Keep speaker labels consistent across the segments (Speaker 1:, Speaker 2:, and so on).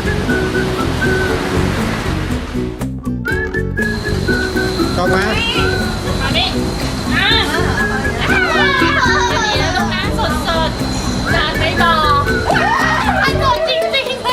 Speaker 1: ชอบไหม
Speaker 2: มาดิอ่ะจะดีแล้วลูกนะสดๆจานไม่บอกสดจริงๆ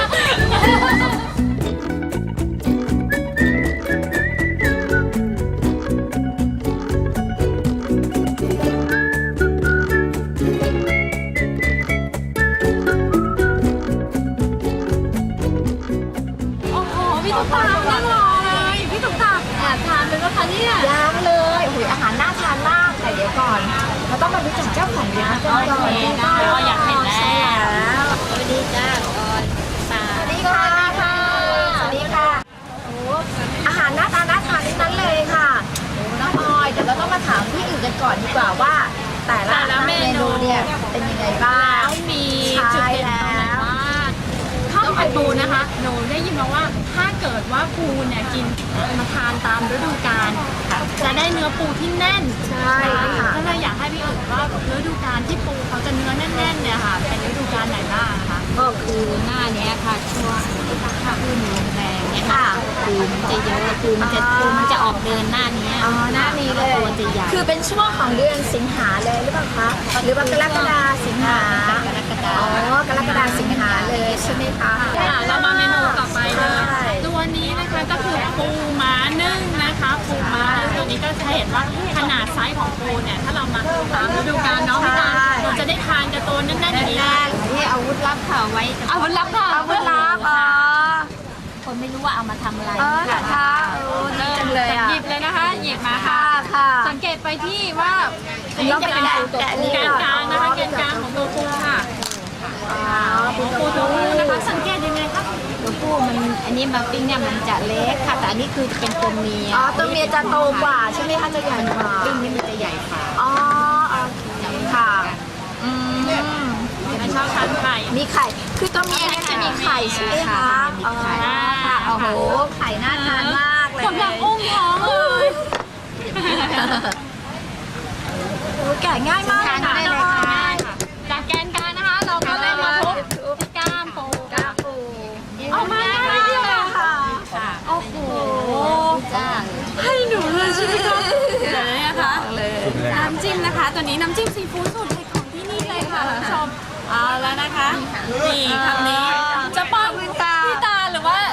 Speaker 2: โอ้โหพี่ตุ๊กตานั่งรอเลยพี่ตุ๊กตาแอบทานเป็นว่าคะเนี่ย
Speaker 3: ยังเลยโอ้ยอาหารน่าทานมากแต่เดี๋ยวก่อนเราต้องมารู้จักเจ้าของร้านกันก่อน
Speaker 2: ได้อยากเห็นแล้ว
Speaker 3: ใช่แล้ว
Speaker 2: สวัสดีจ้าออยตา
Speaker 3: สวัสดีค่ะสวัสดีค่ะโอ้อาหารน่าทานทั้งนั้นเลยค่ะโอ้น้องออยเดี๋ยวเราต้องมาถามที่อื่นกันก่อนดีกว่าว่า แต่ละเมนูเนี่ยเป็นยังไงบ้าง
Speaker 2: แล้วมีจุดเด่นตรงไหนบ้างข้าวผัดปูนะคะหนูได้ยินมาว่าถ้าเกิดว่าปูเนี่ยกินมาทานตามฤดูกาลจะได้เนื้อปูที่แน่น
Speaker 3: ใช่ค่ะ
Speaker 2: ก็เลยอยากให้พี่เอิญว่าฤดูกาลที่ปูเขาจะเนื้อแน่นๆเนี่ยค่ะเป็นฤดูกาลไหนบ้างคะ
Speaker 4: ก็คือหน้าเนี้ยค่ะช่วงถ้าพืชลมแรงเนี่ย
Speaker 3: ค่ะ
Speaker 4: ปูมันจะเยอะปูมันจะออกเดินหน้านี้
Speaker 3: อ๋อหน้านี้เลย
Speaker 4: ตัวจะใหญ่
Speaker 3: คือเป็นช่วงของเดือนสิงหาเลยหรือเปล่าคะหรือว่ากรกฎาสิงหา
Speaker 4: กรกฎา
Speaker 3: อ๋อกรกฎาสิงหาเลยใช่ไหมคะ
Speaker 2: เรามาเมนูต่อไปเลย
Speaker 3: ใช่
Speaker 2: ตัวนี้นะคะก็คือปูม้านึ่งนะคะปูม้าตัวนี้ก็จะเห็นว่าขนาดไซส์ของปูเนี่ยถ้าเรามาตามฤดูกาลเนาะพี่ตาเราจะได้ทานกับตัวแน่นๆอย่างนี้
Speaker 4: ที่อาวุธลับค่ะไว้
Speaker 2: อาวุธลับค่ะ
Speaker 3: อาวุธลับอ๋อ
Speaker 4: คนไม่รู้ว่าเอามาทำอะไร
Speaker 3: อ๋อเหรอคะดีจังเลยอ่ะ
Speaker 2: หยิบเลยนะคะหยิบมาค่ะ
Speaker 3: ค่ะ
Speaker 2: สังเกตไปที่ว่า
Speaker 3: เราไปแกะนี่
Speaker 2: แกน
Speaker 3: ก่อน
Speaker 2: กลางนะคะแกนกลางของตัวปูค่ะปูตัวปูนะคะสังเกตยังไงคะ
Speaker 4: ตัวผู้มันอันนี้มาปิ้งเนี่ยมันจะเล็กค่ะแต่อันนี้คือเป็นตัวเมีย
Speaker 3: อ๋อตัวเมียจะโตกว่าใช่ไหมคะจะใหญ่กว่า
Speaker 4: ปิ้งนี่มันจะใหญ่กว่า
Speaker 3: อ๋อโอเคค่ะอืม
Speaker 2: ไม่ชอบทานไข่
Speaker 3: มีไข่คือตัวเมียเนี่ยจะมีไข่ใช่ไหมคะอ๋อค่ะโอ้โหไข่น่าทานมากเลย
Speaker 2: กำลังอุ้มท้องเลย
Speaker 3: โอ้แกะง่ายมากเลยนะ
Speaker 2: ได้เลยค่ะจากแกนกลางนะคะ เราก็เลยมาทุบที่ก้ามปู
Speaker 3: กาปู
Speaker 2: เอามาได้เลย
Speaker 3: ค่ะ
Speaker 4: ค่ะ
Speaker 2: โอ้โห
Speaker 4: จ้า
Speaker 2: ให้หนูเลยใช่ไหมคะเดี๋ยวนะคะ
Speaker 3: เลย
Speaker 2: น้ำจิ้มนะคะ ตัวนี้น้ำจิ้มซีฟู้ดสูตรเด็ดของที่นี่เลยค่ะคุณผู้ชมเอาแล้วนะคะนี่คำนี้จะป้อนพี่ตาหรือว่า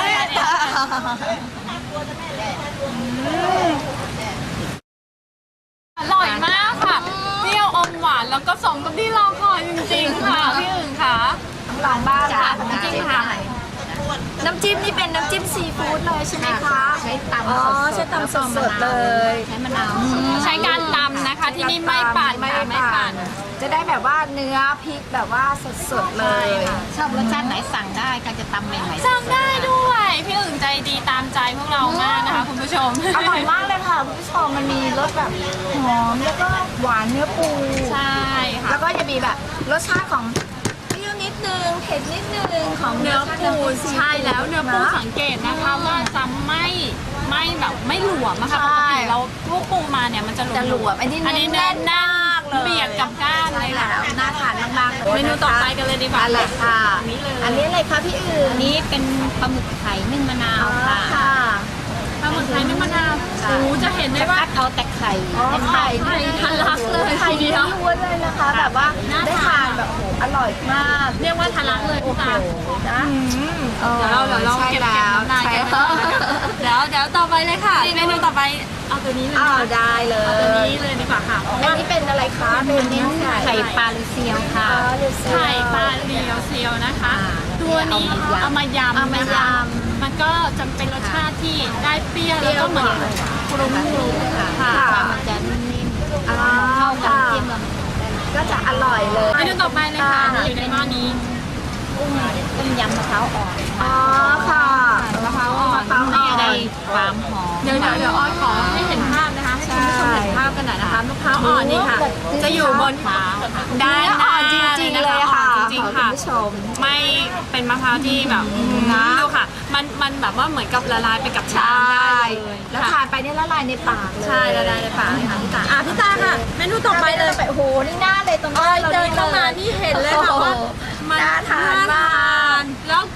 Speaker 2: อร่อยมากค่ะเปรี้ยวอมหวานแล้วก็สมกับที่รอคอยจริงๆค่ะพี่อึ่งค่ะ
Speaker 3: ลองบ้างค่ะ
Speaker 2: น้ำจิ้มค่ะ
Speaker 3: น้ำจิ้มนี่เป็นน้ำจิ้มซีฟู้ดเลยใช่ไหมคะ
Speaker 4: ใช้ตำ
Speaker 3: อ๋อ
Speaker 4: สดๆ
Speaker 3: ใช้ตำสดๆเลย
Speaker 4: ใช้มะนาว
Speaker 2: ใช้การตำนะคะที่นี่ไม่ปั่นค่ะไม่ปั่น
Speaker 3: จะได้แบบว่าเนื้อพริกแบบว่าสดๆเลย
Speaker 4: ชอบรสชาติไหนสั่งได้ค่ะจะตำใหม่ๆ
Speaker 2: จำได้ด้วยพี่อึ่งใจดีตามใจพวกเรามากนะคะคุณผู้ชม
Speaker 3: อร่อยมากเลยค่ะคุณผู้ชมมันมีรสแบบหอมแล้วก็หวานเนื้อปู
Speaker 2: ใช่ค่ะ
Speaker 3: แล้วก็จะมีแบบรสชาติของเปรี้ยวนิดนึงเผ็ดนิดนึงของ
Speaker 2: เนื้อปูใช่แล้วเนื้อปู
Speaker 3: นะ
Speaker 2: สังเกตนะคะว่าจะไม่แบบไม่หลวมอะค่ะป
Speaker 3: ใช่
Speaker 2: กติเราพวกปูมาเนี่ยมันจะ
Speaker 3: จะหลวมอันนี้
Speaker 2: เนื้
Speaker 3: แน่
Speaker 2: อน
Speaker 3: มากเลย
Speaker 2: เบียดกับก้านเลยค่ะ
Speaker 3: แล้วน่าทานมากๆเลย
Speaker 2: เมนูต่อไปกันเลยดีกว่า
Speaker 3: อะไรค่ะ
Speaker 2: อันนี้เลย
Speaker 3: อันนี้อะไรคะพี่อื่น
Speaker 4: อันนี้เป็นปลาหมึกไข่นึ่งมะนา
Speaker 3: อ๋
Speaker 4: ว
Speaker 3: อ
Speaker 4: ค่ะ
Speaker 3: ค่ะ
Speaker 2: ปลาหมึกไทยนึ่งมะนาว
Speaker 3: ค่ะ
Speaker 2: โอ้จะเห็นได้
Speaker 4: จะ
Speaker 2: ว่า
Speaker 4: คัดเอาแต่ไข่
Speaker 3: อ๋อไข่
Speaker 2: ไข่ทะลักเลย
Speaker 3: ไข่
Speaker 2: ทีเดียว
Speaker 3: ล้วนเลยนะคะ แบบว่า
Speaker 2: น่า
Speaker 3: ได้
Speaker 2: ทาน
Speaker 3: ทานแบบโอ้โหอร่อยมาก
Speaker 2: เรียกว่าทะลักเลยพี่ตา
Speaker 3: นะ
Speaker 2: เดี๋ยวเราเก็บน้ำลายกันเดี๋ยวต่อไปเลยค่ะเมนูต่อไปเอาตัวนี้เลย
Speaker 3: อ้าวได้เล
Speaker 2: เอาตัวย นี้เลยดีกว่าค่ะเพราะ
Speaker 3: อัน
Speaker 2: ว่า
Speaker 3: นี้เป็นอะไรคะเป็นเนื้อไก่
Speaker 4: ไข่ปลาลูเซียวค่ะ
Speaker 3: เลือดเซียว
Speaker 2: ไข่ปลาเรียวเซียวนะคะ ตัวนี้
Speaker 4: เอา
Speaker 2: เอา
Speaker 4: มาม
Speaker 2: ายำ
Speaker 3: เอามายำ
Speaker 2: นะคะมันก็จะเป็นรสชาติที่ได้เปรี้ยวแล้วก็เหมือนกรุ้งค่ะ
Speaker 4: ปลามันจะนิ่มๆ
Speaker 3: อ่า
Speaker 4: เข้ากัน
Speaker 3: ค่ะ
Speaker 4: เทียมกับ
Speaker 3: ก็จะอร่อยเลย
Speaker 2: เมนูต่อไปเลยค่ะอยู่ในหม้อนี้
Speaker 4: กุ้งต้มยำมะพร้าวอ่อน
Speaker 3: อ๋อค่ะ
Speaker 2: มะพร้าวอ่อน
Speaker 3: มะพร้าวอ่อน
Speaker 4: ได้ความหอม
Speaker 2: เดี๋ยวอ้อยขอให้เห็นภาพนะคะให้คุณผู้ชมเห็นภาพกันหน่อยนะคะมะพร้าวอ่อนนี่ค่ะ จะอยู่บน
Speaker 4: มะพร้าวค่ะ
Speaker 2: ด้าน
Speaker 3: เนื้อ
Speaker 2: หน้า
Speaker 3: อ่อนจริงๆเลยค่ะ
Speaker 2: จริงๆค่ะ
Speaker 3: คุณผู้ชม
Speaker 2: ไม่เป็นมะพร้าวที่แบบดูค่ะ มันแบบว่าเหมือนกับละลายไปกับ
Speaker 3: ใช
Speaker 2: ชาม่ ได้เลย
Speaker 3: แล้ว
Speaker 2: ค่ะ
Speaker 3: ทานไปเนี่ยละลายในปากเลย
Speaker 2: ใช่ละลายในปากเลยค่ะพี่ตาพี่ตาค่ะเมนูต่อไปเลย
Speaker 3: โอ้โหนี่หน้าเลยตรงหน้าเรา
Speaker 2: เดินเข้ามานี่เห็นเลยค่ะว่ามัน
Speaker 3: น่าทานมาก
Speaker 2: แล้วกลิ่นนี่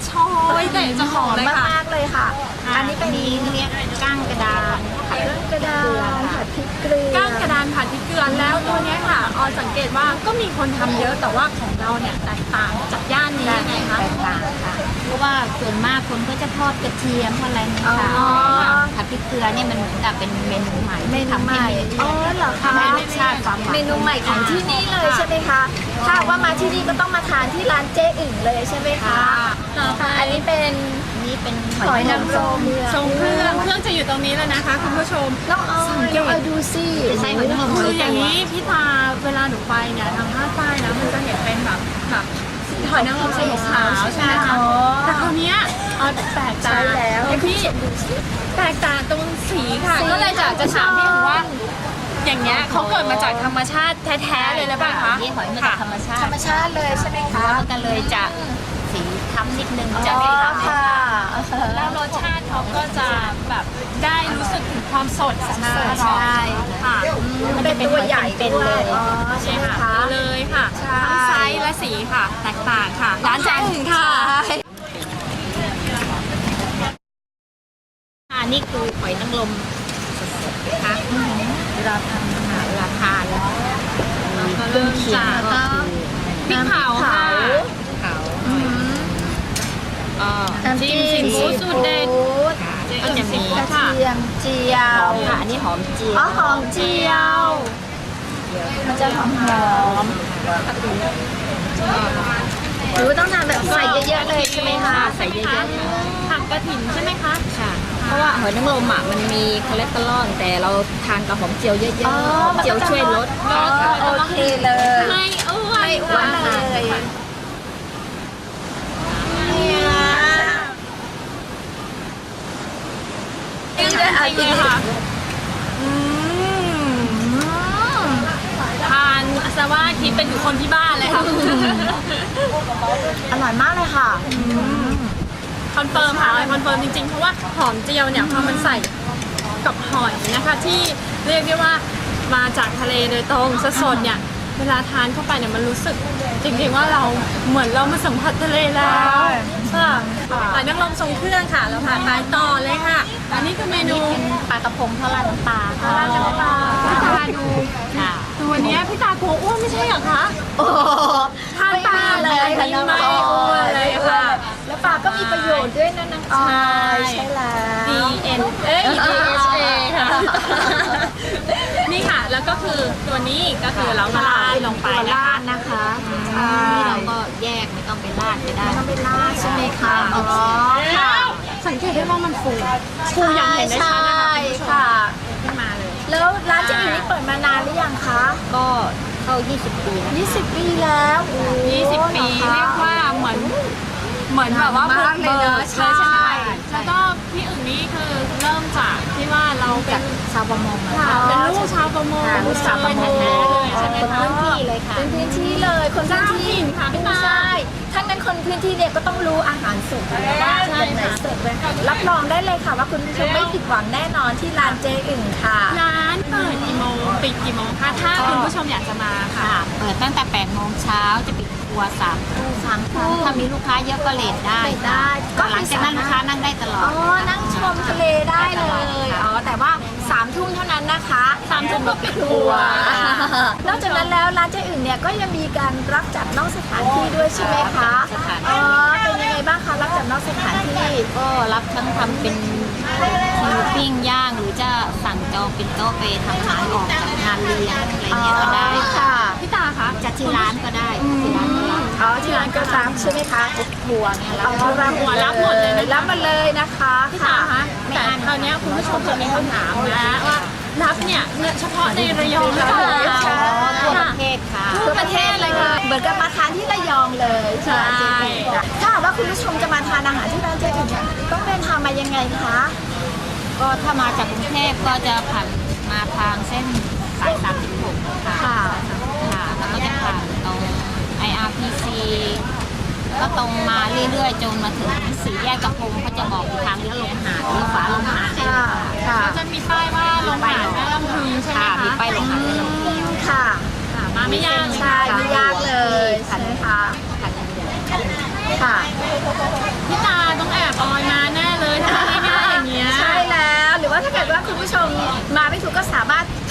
Speaker 2: ชอยแต่เจ้าของเลยค่ะ
Speaker 3: มากๆเลยค่ะ อันนี้เป็น
Speaker 4: นี้เรียกก้างกระดาน
Speaker 3: ผัดกระดานผัดพริกเกลือ
Speaker 2: ก้างกระดานผัดพริกเกลือแล้วตัวเนี้ยค่ะออยสังเกตว่าก็มีคนทำเยอะแต่ว่าของเราเนี่ยแตกต่างจากย่านนี้ยังไงคะ
Speaker 4: แตกต่างค่ะเพราะว่าส่วนมากคนก็จะทอดกระเทียมทอดอะไรเนี่ยค่ะ
Speaker 3: อ๋อ
Speaker 4: ผัดพริกเกลือเนี่ยมันเหมือนกับเป็นเมนูใหม่
Speaker 3: เมนูใหม่ อ๋อเหรอคะ
Speaker 4: ทำให้รสชาติความหวาน
Speaker 3: เมนูใหม่ของที่นี่เลยใช่ไหมคะ ถ้าว่ามาที่นี่ก็ต้องมาทานที่ร้านเจ๊อึ่งเลยใช่ไหมคะ
Speaker 2: ต่อไป
Speaker 3: อันนี้เป็น
Speaker 4: นี่เป็น
Speaker 3: หอยนางรม
Speaker 2: ทรงเครื่องจะอยู่ตรงนี้แล้วนะคะคุณผู้ชม
Speaker 3: น้องออยน้องออยดูสิ
Speaker 4: ใช่หอยนางรม
Speaker 2: คืออย่างนี้พี่ตาเวลาหนูไปเนี่ยทางภาคใต้นะมันจะเห็นเป็นแบบหอยนางรมสีขาวใช่ไหมคะ
Speaker 3: อ๋อ
Speaker 2: แต่คราวเนี้ยแปลกตา
Speaker 3: ใช่แล้ว
Speaker 2: พี่แปลกตาตรงสีค่ะ ก็เลยจะถามพี่ถึงว่า อย่างเงี้ยเขาเกิดมาจากธรรมชาติแท้ๆเลยหรือเปล่าคะ
Speaker 4: นี่หอยมาจากธรรมชา
Speaker 3: ธร
Speaker 4: ติ
Speaker 3: รมชาติเลยใช่ไหมคะ
Speaker 4: แล้วมันก็เลยจะสีค้ำนิดนึง
Speaker 3: อ๋
Speaker 4: จะ
Speaker 3: อ
Speaker 4: ไม่ขาว
Speaker 3: ค่ะ
Speaker 2: แล้วรสชาติเขาก็จะแบบได้รู้สึกถึงความสด
Speaker 3: ใช่
Speaker 2: ค่ะ
Speaker 3: มันเป็นตัวใหญ่ด้วยอ๋อใช่
Speaker 2: ใช่
Speaker 3: ไหม
Speaker 2: ค่ะ
Speaker 3: คะ
Speaker 2: เลยค่ะ
Speaker 3: ใช่
Speaker 2: ทั้งไซส์และสีค่ะ แตกต่างค่ะ ร้านแจ้งถึงค่ะ
Speaker 4: อันนี้คือหอยนางรมสดๆนะคะเวลาทำอาหารเวลาทานแล้ว
Speaker 2: ก็เริ่มจาก
Speaker 4: ก็
Speaker 2: พริกเผาค่ะ
Speaker 4: เขา
Speaker 3: น้ำ
Speaker 2: จิ้
Speaker 3: จิ้
Speaker 2: ม
Speaker 3: ม
Speaker 2: ซีฟู้ดสูตรเด็ด
Speaker 4: ก็จะมี
Speaker 3: กระเทียมเจียว
Speaker 4: ค่ะอันนี้หอมเจียว
Speaker 3: อ๋อหอมเจียว มันจะหอมหรือว่าต้องทานแบบใส่เยอะๆเลยใช่ไหมคะ
Speaker 4: ใส่เยอะๆค่ะ
Speaker 2: ผักกระถิ่นใช่ไหมคะ
Speaker 4: ค่ะ เพราะว่าหอยนางรมอ่ะมันมีคอเลสเตอรอลแต่เราทานกับหอมเจียวเยอะๆ
Speaker 3: อ๋อ
Speaker 4: หอมเจียวช่วยลด
Speaker 3: อ๋อโอเคเลย
Speaker 2: ไม่อ้วน
Speaker 3: ไม่อ้วนเลยเนี่ยจะเอาจริง
Speaker 2: ค่ะ
Speaker 3: อืม
Speaker 2: ทานซะว่าคิดเป็นอยู่คนที่บ้านเลยค่ะ
Speaker 3: อร่อยมากเลยค่ะ
Speaker 2: คอนเฟิร์มค่ะคอนเฟิร์มจริงๆ เพราะว่าหอมเจียวเนี่ยพอมันใส่กับหอยนะคะที่เรียกได้ว่ามาจากทะเลโดยตรงสดๆเนี่ยเวลาทานเข้าไปเนี่ยมันรู้สึกจริงๆว่าเราเหมือนเรามาสัมผัสทะเลแล้วค่ะหอยนางรมทรงเครื่องค่ะเราผ่านไปต่อเลยค่ะ อันนี้คือเมนู
Speaker 4: ปลากระพงทอดราดน้ำปลา
Speaker 2: ปลาน้ำปลาพี่ตาดู
Speaker 4: ค่ะ
Speaker 2: ตัวเนี้ยพี่ตากลัวอ้วนไม่ใช่เหรอคะ
Speaker 3: โอ้
Speaker 2: ทานปลาเลยค่ะน้องไม่อ้วนเลยค่ะ
Speaker 3: แล้วปลาก็มีประโยชน์ด้วยนะน้องออยใช่แล้ว
Speaker 2: DN เอ้ย DHA ค่ะ นี่ค่ะ แล้วก็คือตัวนี้ก็คือเราละลายลงไปนะคะ
Speaker 3: นะคะ
Speaker 4: นี่เราก็แยกไม่ต้องไปราดก็ได้
Speaker 3: ต้องเป็นลาดใช่ไหมคะอ๋อ
Speaker 2: แล้วสังเกตได้ว่ามันฟูอย่างเห็นได้ชัดนะคะ
Speaker 3: ใช่ค่ะ
Speaker 2: ขึ้นมาเลย
Speaker 3: แล้วร้านเจ๊อึ่งนี่เปิดมานานหรือยังคะ
Speaker 4: ก็เข้า 20 ปีแล้ว
Speaker 3: 20 ปีแล้วโอ้
Speaker 2: 20 ปี
Speaker 3: หอคะ
Speaker 2: เรียกว่าเหมือนแบบว่าบุกเบิกเลยใช่ไหมแล้วก็พี่อึ่งนี่คือเริ่มจากที่ว่าเราเป็น
Speaker 4: ชาวประมงนะ
Speaker 2: ค่ะ
Speaker 4: คะ
Speaker 2: เป็นลูกชาวประมง
Speaker 4: ค่ะลูกชาวประมง
Speaker 2: แท้ๆเลยใช่ไหม
Speaker 4: คน
Speaker 2: คะ
Speaker 4: พื้นที่เลยค่ะ
Speaker 3: เป็นพื้นที่เลยคนพื้นที่
Speaker 2: เจ้าถิ่นค่ะพี่ตา
Speaker 3: ใช่ทั้งนั้นคนพื้นที่เนี่ยก็ต้องรู้อาหารสดนะว่า
Speaker 2: ใช่
Speaker 3: ตรงไหน
Speaker 2: ค่ะ
Speaker 3: สดเลยรับรองได้เลยค่ะว่าคุณผู้ชมไม่ผิดหวังแน่นอนที่ร้านเจ๊อึ่งค่ะ
Speaker 2: ร้านเปิดกี่โมงปิดกี่โมงคะถ้าคุณผู้ชมอยากจะมาค่ะ
Speaker 4: ค่ะ เปิดตั้งแต่ 8 โมงเช้าจะปิดครัว3 ทุ่ม
Speaker 3: 3 ทุ่ม
Speaker 4: ถ้ามีลูกค้าเยอะก็เลทได้
Speaker 3: เลทได้
Speaker 4: ก็หลังจากนั้นลูกค้านั่งได้ตลอ
Speaker 3: อ๋
Speaker 4: ด
Speaker 3: อ นั่งชมทะเลได้เลย อ๋อ แต่ว่า3 ทุ่มเท่านั้นนะคะ
Speaker 2: 3 ทุ่มก็ปิดครั
Speaker 3: ตัว นอกจากนั้นแล้วร้านเจ๊อึ่งเนี่ยก็ยังมีการรับจัดนอกสถานที่ด้วยใช่ไหมคะ
Speaker 4: สถาน
Speaker 3: อ๋
Speaker 4: ที่
Speaker 3: อ เป็นยังไงบ้างคะรับจัดนอกสถานที่
Speaker 4: ก็รับทั้งทำเป็นคิวปิ้งย่างหรือจะสั่งจองเป็นโต๊ะไปทำอาหารออกจากงานเลี้ยงอะไรเงี้ยก็ได้
Speaker 3: ค่ะ
Speaker 2: พี่ตาคะ
Speaker 4: จัดที่ร้านก็ได้ที่ร้านก็รับ
Speaker 3: อ๋อ ที่ร้านก็รับใช่ไหมคะ
Speaker 4: บัวเนี่ยรับ
Speaker 3: อ๋อรับ
Speaker 2: หัวรับหมดเลยนะคะ
Speaker 3: รับมาเลยนะคะ
Speaker 2: พี่ตาคะแต่คราวเนี้ยคุณผู้ชมจะมีคำถามนะว่ารับเนี่ยเฉพาะในระยองหรือเปล่า
Speaker 3: ใช่
Speaker 4: ทั่วประเทศค่ะ
Speaker 3: ทั่วประเทศเลยค่ะ เหมือนกับมาทานที่ระยองเลย
Speaker 2: ใช่
Speaker 3: ถ้าหากว่าคุณผู้ชมจะมาทานอาหารที่ร้านเจ๊อึ่งเนี่ยต้องเดินทางมายังไงคะ
Speaker 4: ก็ถ้ามาจากกรุงเทพก็จะผ่านมาทางเส้นสาย36ค่ะ
Speaker 3: ค่ะ
Speaker 4: ค่ะแล้วก็จะผ่านตรง IRPC ก็ตรงมาเรื่อยๆจนมาถึงสี่แยกกระพงเขาจะบอกทางเลี้ยวลงหาดเลี้ยวขวาลงหาดได้เลยค่ะ
Speaker 3: ค่ะ
Speaker 2: ก็จะมีป้ายว่าลงหาดแม่ลำพึงใช่ไหม
Speaker 4: ค่ะ
Speaker 2: คะ
Speaker 4: มีป้ายลงหาดแม่ลำพึง
Speaker 3: ค่ะ
Speaker 2: ค่ะมาไม่ยากเลย
Speaker 3: ใช่ไม่ยากเลยใช่ไหมคะ
Speaker 4: ค่ะ
Speaker 3: ค่ะ
Speaker 2: พี่ต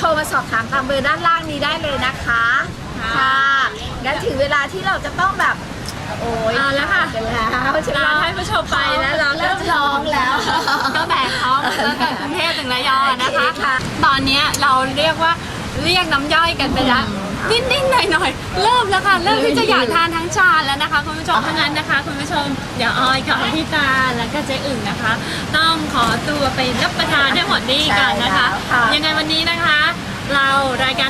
Speaker 3: ทรมาสอบถามตามเบอร์ด้านล่างนี้ได้เลยนะคะค่ะงั้นถึงเวลาที่เราจะต้องแบบโอ้ย
Speaker 2: เอาแล้วค่ะ
Speaker 3: กันแล้วใช่ไหม
Speaker 2: เราให้ผู้ชมไปแล้วเรา
Speaker 3: เริ่มร้องแล้ว
Speaker 2: ตั้งแต่เขาตั้งแต่กรุงเทพถึงระยองนะคะ
Speaker 3: โอเคค่ะ
Speaker 2: ตอนนี้เราเรียกว่าเรียกน้ำย่อยกันไปแล้วนิดๆหน่อยๆเริ่มแล้วค่ะเริ่มที่จะอยากทานทั้งชามแล้วนะคะคุณผู้ชมเพราะงั้นนะคะคุณผู้ชมเดี๋ยวออยกับพี่ตาแล้วก็เจ๊อึ่งนะคะ ต้องขอตัวไปรับประทานให้หมดนี่ก่อนนะคะ
Speaker 3: ใช่แล้วค่ะ
Speaker 2: ยังไงวันนี้นะคะ เรารายการ